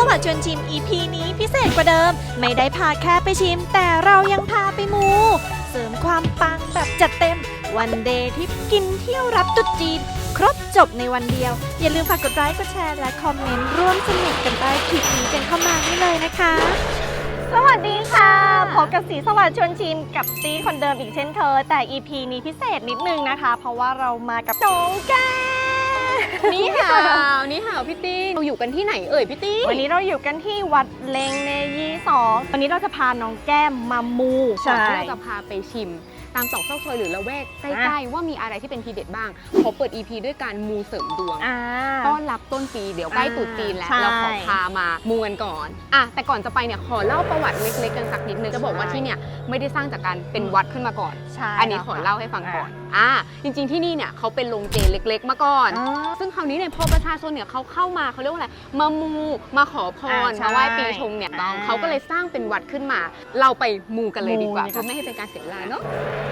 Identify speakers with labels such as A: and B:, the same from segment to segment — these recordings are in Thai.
A: วัสดิ์ชวนชิม EP นี้พิเศษกว่าเดิมไม่ได้พาแค่ไปชิมแต่เรายังพาไปมูเสริมความปังแบบจัดเต็มวันเดย์ที่กินเที่ยวรับตุ๊จีนครบจบในวันเดียวอย่าลืมฝากกดไลค์กดแชร์และคอมเมนต์ร่วมสนุกกันใต้คลิปนี้กันเข้ามาได้เลยนะคะสวัสดีค่ะพบกับสีสวัสดิ์ชวนชิมกับตีคนเดิมอีกเช่นเคยแต่ EP นี้พิเศษนิดนึงนะคะเพราะว่าเรามากับน้องแก้
B: นี่ห่าวพี่ตี้เราอยู่กันที่ไหนเอ่ยพี่ตี้
A: วันนี้เราอยู่กันที่วัดเลงเนยี่2วันนี้เราจะพาน้องแก้มมามู
B: ก่อนที่เราจะพาไปชิมตามตอกซอกซอยหรือละแวกใกล้ๆว่ามีอะไรที่เป็นทีเด็ดบ้างขอเปิด EP ด้วยการมูเสริมดวงต้อนรับต้นปีเดี๋ยวใกล้ตรุษจีนแล้วเราขอพามามูกันก่อนแต่ก่อนจะไปเนี่ยขอเล่าประวัติเล็กๆกันสักนิดนึงจะบอกว่าที่เนี่ยไม่ได้สร้างจากการเป็นวัดขึ้นมาก่อนอันนี้ขอเล่าให้ฟังก่อนจริงๆที่นี่เนี่ยเขาเป็นโรงเจเล็กๆมาก่อนซึ่งคราวนี้เนี่ยพอประชาชนเนี่ยเขาเข้ามาเขาเรียกว่าอะไรมามูมาขอพรมาไหว้ปีชงเนี่ยเขาก็เลยสร้างเป็นวัดขึ้นมาเราไปมูกันเลยดีกว่าเพื่อไม่ให้เป็นการเสียเวลาเนาะ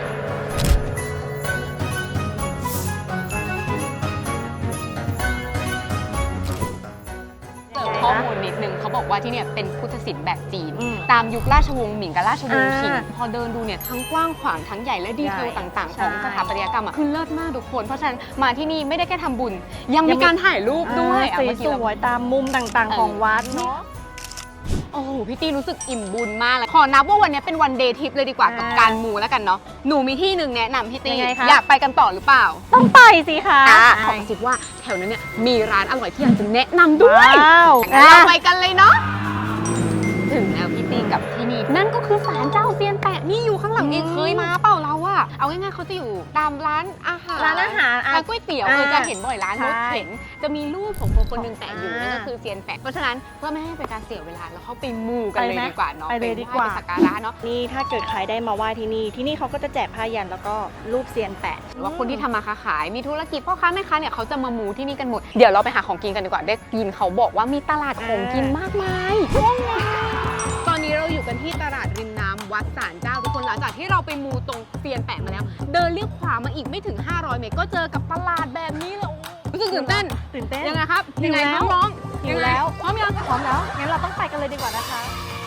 B: ข้อมูลนิดนึงเขาบอกว่าที่เนี่ยเป็นพุทธศิลป์แบบจีนตามยุคราชวงศ์หมิงกับราชวงศ์ชิงพอเดินดูเนี่ยทั้งกว้างขวางทั้งใหญ่และดีเทลต่างๆของสถาปัตยกรรมคือเลิศมากทุกคนเพราะฉะนั้นมาที่นี่ไม่ได้แค่ทำบุญยังมีการถ่ายรูปด้วย
A: สวยๆตามมุมต่างๆของวัดเนาะ
B: โอ้โหพี่ตี้รู้สึกอิ่มบุญมากเลยขอนับว่าวันนี้เป็นวันเดย์ทริปเลยดีกว่ากับการมูแล้วกันเนาะหนูมีที่หนึ่งแนะนำพี่ตี้อยากไปกันต่อหรือเปล่า
A: ต้องไปสิคะ
B: ขอคิดว่าแถวนั้นเนี่ยมีร้านอร่อยที่อยากจะแนะนำด้วยเราไปกันเลยเนาะถึงแล้วพี่ตี้กับที่นี่นั่นก็คือศาลเจ้าเซียนแปะนี่อยู่ข้างหลังเองเคยมาเปล่าเราอะเอาง่ายๆเขาจะอยู่ตามร้านอาหารร้านก๋วยเตี๋ยวจะเห็นบ่อยร้านรถเข็นจะมีรูปของคนหนึ่งแปะอยู่นั่นก็คือเซียนแปะเพราะฉะนั้นเพื่อไม่ให้เป็นการเสียเวลาเราเข้าไปมูกันเลยดีกว่าเนาะ
A: ไปเลยดีกว่า
B: สักการะเนาะ
A: นี่ถ้าเกิดใครได้มาไหว้ที่นี่เขาก็จะแจกผ้ายันแล้วก็รูปเซียนแปะ
B: หรือว่าคนที่ทำมาค้าขายมีธุรกิจพ่อค้าแม่ค้าเนี่ยเขาจะมามูที่นี่กันหมดเดี๋ยวเราไปหาของกินกันดีกว่าได้ยินเขาบอกว่ามีตลาดของกินมากมายตอนนี้เราอยู่กันที่ตลาดริมน้ำวัดศาลเจ้าทุกคนหลังจากที่เราไปมูตรงเซียนแปะมาแล้วเดินเลี้ยวขวามาอีกไม่ถึง500 เมตรก็เจอกับตลาดแบบนี้เลยรู้สึกตื่นเต้นยังไงครับยังไงน้อง
A: ๆอยู่แล้ว
B: พร้อมยัง
A: พร้อมแล้วงั้นเราต้องไปกันเลยดีกว่านะคะ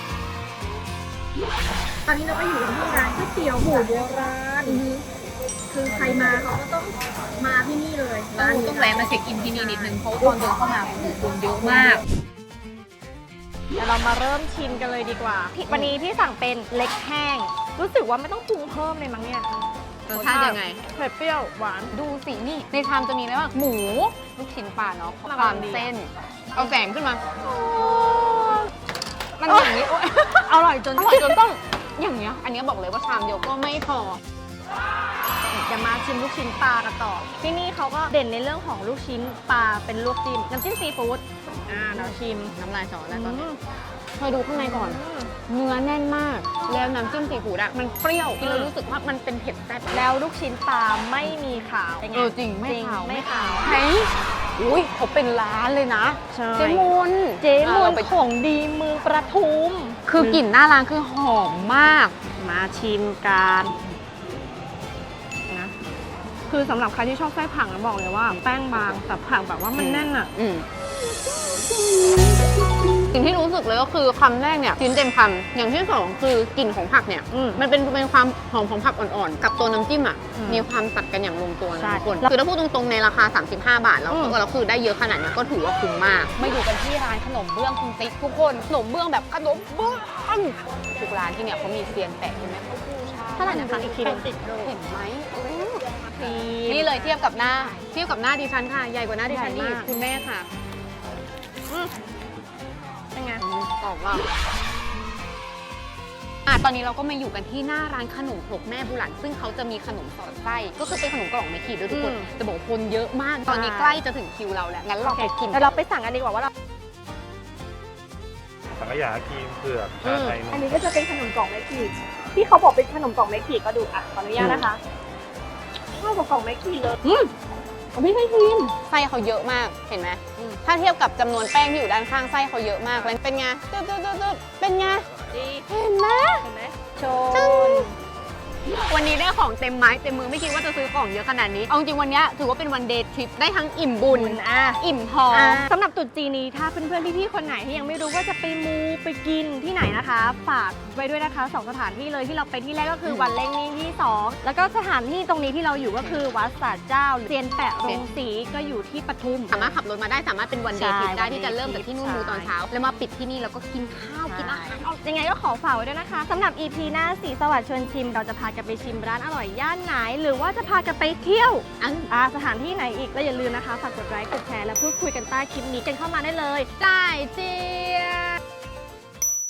A: ตอนนี้เราก็อยู่ที่ร้านก๋วยเตี๋ยวหมูโบราณคือใครมาเขาก็ต้องมาที่นี่เลย
B: ต้องแวะมาเช็คอินที่นี่นิดนึงเพราะตอนเดินเข้ามาคนเยอะมาก
A: เดี๋ยวเรามาเริ่มชิมกันเลยดีกว่าวันนี้พี่สั่งเป็นเล็กแห้งรู้สึกว่าไม่ต้องปรุงเพิ่มเลยมั้งเนี่ย
B: รสชาติยังไง
A: เผ็ดเปรี้ยวหวาน
B: ดูสินี่ในชามจะมีอะไรบ้างหมูลูกชิ้นปลาเนาะความเส้นเอาแสงขึ้นมามันอย่างนี้
A: อร่อยจน
B: ต้องอย่างเงี้ยอันนี้บอกเลยว่าชามเดียวก็ไม่พอ
A: จะมาชิมลูกชิ้นปลากันต่อที่นี่เขาก็เด่นในเรื่องของลูกชิ้นปลาเป็นลวกจิ้มน้ำจิ้มซีฟู้ดเราชิม
B: น้ำลายสอแล้วตอนนี้เคยดูข้างในก่อนเนื้อแน่นมากแล้วน้ำจิ้มซีฟู้ดมันเปรี้ยวกินแล้วรู้สึกว่ามันเป็นเผ็ดแซ่บ
A: แล้วลูกชิ้นปลาไม่มีขาว
B: จริงไม่ขาว
A: เฮ้ย
B: อุ้ยเขาเป็นร้านเลยนะเจมน
A: ของดีเมืองประทุม
B: คือกลิ่นหน้าร้านคือหอมมาก
A: มาชิมกันนะคือสำหรับใครที่ชอบไส้ผักนะบอกเลยว่าแป้งบางแต่ผักแบบว่ามันแน่นอ่ะ
B: สิ่งที่รู้สึกเลยก็คือคำแรกเนี่ยชิ้นเต็มคำอย่างที่สองคือกลิ่นของผักเนี่ยมันเป็นความหอมของผักอ่อนๆกับตัวน้ำจิ้มอ่ะมีความตัดกันอย่างลงตัวนะทุกคนคือถ้าพูดตรงๆในราคา35 บาทแล้วเราคือได้เยอะขนาดนี้ก็ถือว่าคุ้มมากมาอยู่กันที่ร้านขนมเบื้องคุณติ๊กทุกคนขนมเบื้องแบบขนมเบื้องทุกร้านที่เนี่ยเขามีเซียนแปะเห็นไหมเขาพูด
A: เท่าไหร่นะคะอีกที
B: เห็นไหมนี่เลยเทียบกับหน้าดิฉันค่ะใหญ่กว่าหน้าดิฉันนี่คุณแม่ค่ะ
A: เป็นไง
B: ตอบว่าตอนนี้เราก็มาอยู่กันที่หน้าร้านขนมครกแม่บุหลันซึ่งเขาจะมีขนมสอดไส้ก็คือเป็นขนมกล่องไม่ขีดด้วยทุกคนจะบอกคนเยอะมากตอนนี้ใกล้จะถึงคิวเราแล้วงั้นเราไปกิน
A: เราไปสั่งกันดีกว่าว่าเรา
C: สังขยาครีมเผือกชาไทย
A: อันนี้ก็จะเป็นขนมกล่องไม่ขีดที่เขาบอกเป็นขนมกล่องไม่ขีดก็ดูขออนุญาตนะคะข้าวกับกล่องไม่ขีดเลยไม่ใช่ครีม
B: ไส้เขาเยอะมากเห็นไหมถ้าเทียบกับจำนวนแป้งที่อยู่ด้านข้างไส้เขาเยอะมากเป็นไงเป็นไงเห็นไหม
A: โชน
B: วันนี้ได้ของเต็มไม้เต็มมือไม่คิดว่าจะซื้อของเยอะขนาดนี้เอาจริงวันนี้ถือว่าเป็นวันเดย์ทริปได้ทั้งอิ่มบุญอิ่มท้อง
A: สำหรับตรุษจีนนี้ถ้าเพื่อนๆพี่ๆคนไหนที่ยังไม่รู้ว่าจะไปมูไปกินที่ไหนนะคะ ฝากไว้ด้วยนะคะ2สถานที่เลยที่เราไปที่แรกก็คือวัดเล่งนิ่งที่2แล้วก็สถานที่ตรงนี้ที่เราอยู่ก็คือวัดศาลเจ้าเซียนแปะโรงสีก็อยู่ที่ปทุม
B: สามารถขับรถมาได้สามารถเป็นวันเดย์ทริปได้
A: ใช่
B: ที่จะเริ่มจากที่นู่น
A: ใช่
B: มูตอนเช้า แล้วมาปิดที่นี่แล้วก็กินข้าวกินอาหาร
A: ยังไงก็ขอฝากไว้ด้วยนะคะสำหรับ EP หน้าสีสวัสดิ์ชวนชิม เราจะพากันไปชิมร้านอร่อยย่านไหน หรือว่าจะพากันไปเที่ยวสถานที่ไหนอีกและอย่าลืมนะคะฝากกดไลค์กดแชร์และพูดคุยกันใต้คลิปนี้กันเข้ามาได้เลย
B: จ่ายเจีย